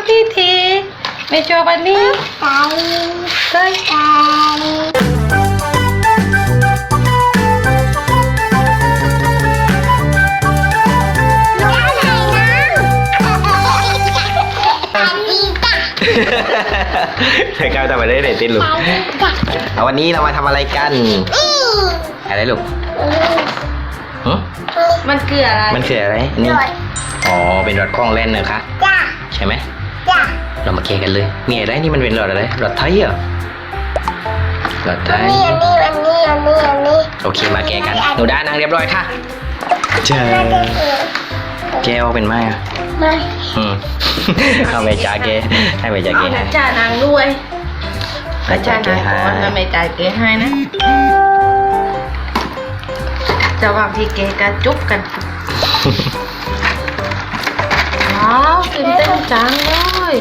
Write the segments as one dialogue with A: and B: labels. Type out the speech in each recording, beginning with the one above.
A: ทีทีไม่ชอบอันนี้ใช่
B: ใช่ครับทำอะไรได้ติดลูกเอาวันนี้เรามาทำอะไรกันอะไรลูก
A: มันคืออะไร
B: มันคืออะไรนี่อ๋อเป็นรถคล้องเล่นนะคะใช่ไหมเรามาเคกันเลยมีอะไรนี่มันเป็นรถอะไรรถไทยเหรอรถไทยอันนี้โอเคมาแกกันหนูด้านั่งเรียบร้อยค่ะเจอแกวเป็นไหมอ่ะไม่เอาไปจ่าแกให้ไปจ่าแกให้
A: จ่านางด้วยจ่านางก่อนแล้วไม่จ่ายแกให้นะจะวางที่แกกระจุบกันว้าวตื่นเต้นจังเลย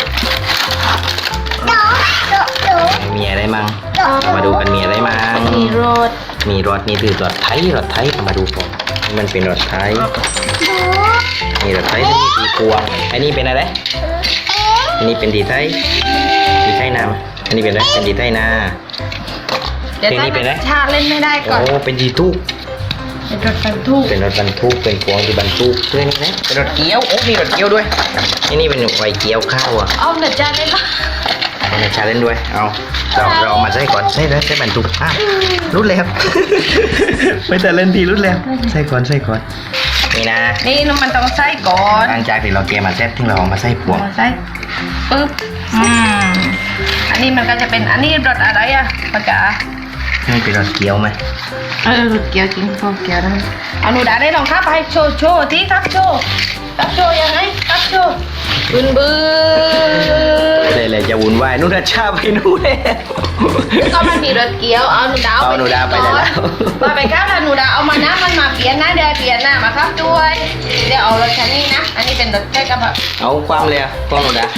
B: มีอะไรมั่งมาดูกันมีอะไรมั่ง
A: มีรถ
B: นี่คือรถไทยมาดูก่อนมันเป็นรถไทยนี่รถไทยที่มีตีพวงอันนี้เป็นอะไรอันนี้เป็นดีไทยนาอันนี้เป็นอะไรเป็นดีไทยนา
A: เดี๋ยวนี้เป็นอะไรชาเล่นไม่ได้ก่อน
B: โอ้เป็นดีทุก
A: เป็นรถบรรทุก
B: เป็นพวงที่บรรทุกด้วยนี่นะเป็นรถเกี๊ยวโอ้มีรถเกี๊ยวด้วยนี่เป็นไฟเกี๊ยวข้าวอ่ะ
A: เอาเดี๋ยวจ่าเล่นละ
B: เอาเดี๋ยวจ่าเล่นด้วยเอาเรามาใส่ก่อนใส่บรรทุกรุดแล้วไม่แต่เล่นทีรุดแล้วใส่ก่อนนี่นะ
A: นี่มันต้องใส่ก่อน
B: หลังจากที่เราเกมมาเซตที่เรามาใส่พวง
A: ใส่ปึ๊บอันนี้มันก็จะเป็นอันนี้รสอะไรอ่ะป้าจ๋า
B: นี่เป็นรสเกี๊ยวไหม
A: รสเกี๊ยวจริงรสเกี๊ยวนะเอาหนูด่าได้ลองครับไปโชว์ที่ครับโชว์ยังไงครับโชว์บึ้น
B: เลยจะวุ่นวายนู่นชาไปนู่นเลย
A: ก็มันมีรสเกี๊ยวเอาหนูด่า
B: ไปแล้ว
A: มาไปครับแล้วหนูด่าเอามานะมันมาเปลี่ยนนะเดี๋ยวเปลี่ยนหน้ามาครับด้วยเดี๋ยวเอารสคันนี้นะอันนี้เป็นรสแค่กระบะ
B: เอาความเลยความหนูด่า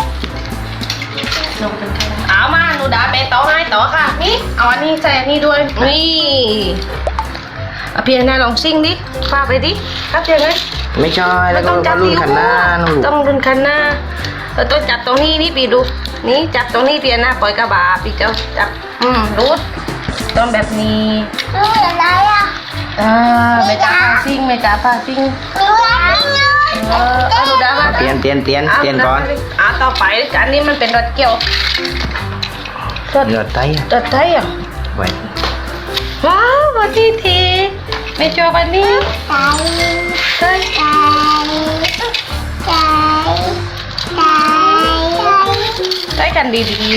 A: เอามาหนูด่าไปต่อให้ต่อค่ะนี่เอาอันนี้ใส่อันนี้ด้วยนี่เอาเปลี่ยนหน้าลองซิ่งดิฟาไปดิครับเดี๋ยวไง
B: ไม่ใช่แล้วก็รุ่นคันหน้า
A: ต้องรุ่นคันหน้าต้องจับตรงนี้นี่ปีดูนี่จับตรงนี้เปลี่ยนหน้าปล่อยกระบะปีเจ้าจับรูดต้องแบบนี้
C: อะไรอ่ะ
A: ไม่จับผ้าซิ่งเอาดูด้ามา
B: เปลี่ยนก่อน
A: ต่อไปอันนี้มันเป็นรถเกี่ยว
B: รถไทย
A: อ่ะ
B: ไว้
A: ว้าววันทีไม่ชอบอันนี้ใช่ใช้กันดี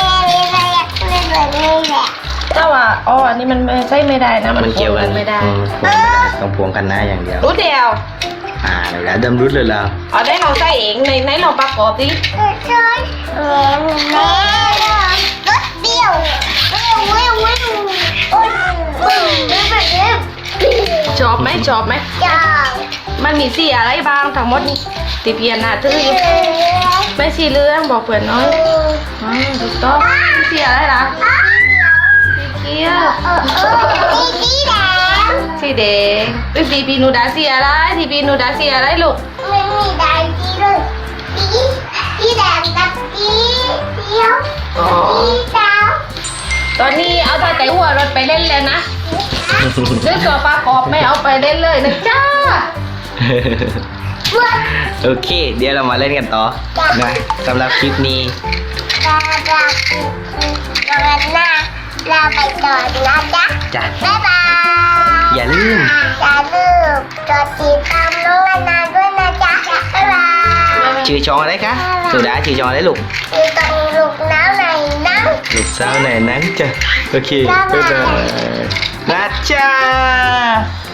A: ๆแต่ว่าอันนี้มันใช้ไม่ได้นะมัน
B: เกี่ยวกัน
A: ไม่ได้
B: ต้องพวงกันหน้าอย่างเดียว
A: รู้เดียว
B: เดี๋ยวดำรุดเลยแล้ว
A: ได้เราใส่เองในเราประกอบดิชอบไหมมันมีสีอะไรบ้างทั้งหมดติเพียนหน้าตื้อไม่สีเหลืองบอกเพื่อนน้อยถูกต้องสีอะไรล่ะสีเขียวสีแดงทีพีนูดาสีอะไรลูก
C: ไม่มีแดงสีเลยสีแดงกับสีเขียวสีขาว
A: ตอนนี้เอาแต่หัวรถไปเล่นแล้วนะด้วยตัวประกอบไม่เอาไปเล่นเลยนะจ้า
B: โอเคเดี๋ยวเรามาเล่นกันต่อนะสำหรับคลิปนี้
C: เราไปต่อนะ
B: จ๊ะ
C: บ๊ายบาย
B: อย่าลืม
C: กดติดตามน้องนาด้วยนะจ๊ะบ๊ายบาย
B: ชื่อช่องอะไรคะสุดาชื่อช่องอะไรลูก
C: ลูกสาวไหนนั่ง
B: จ้ะโอเคบ๊ายบายนะจ๊ะ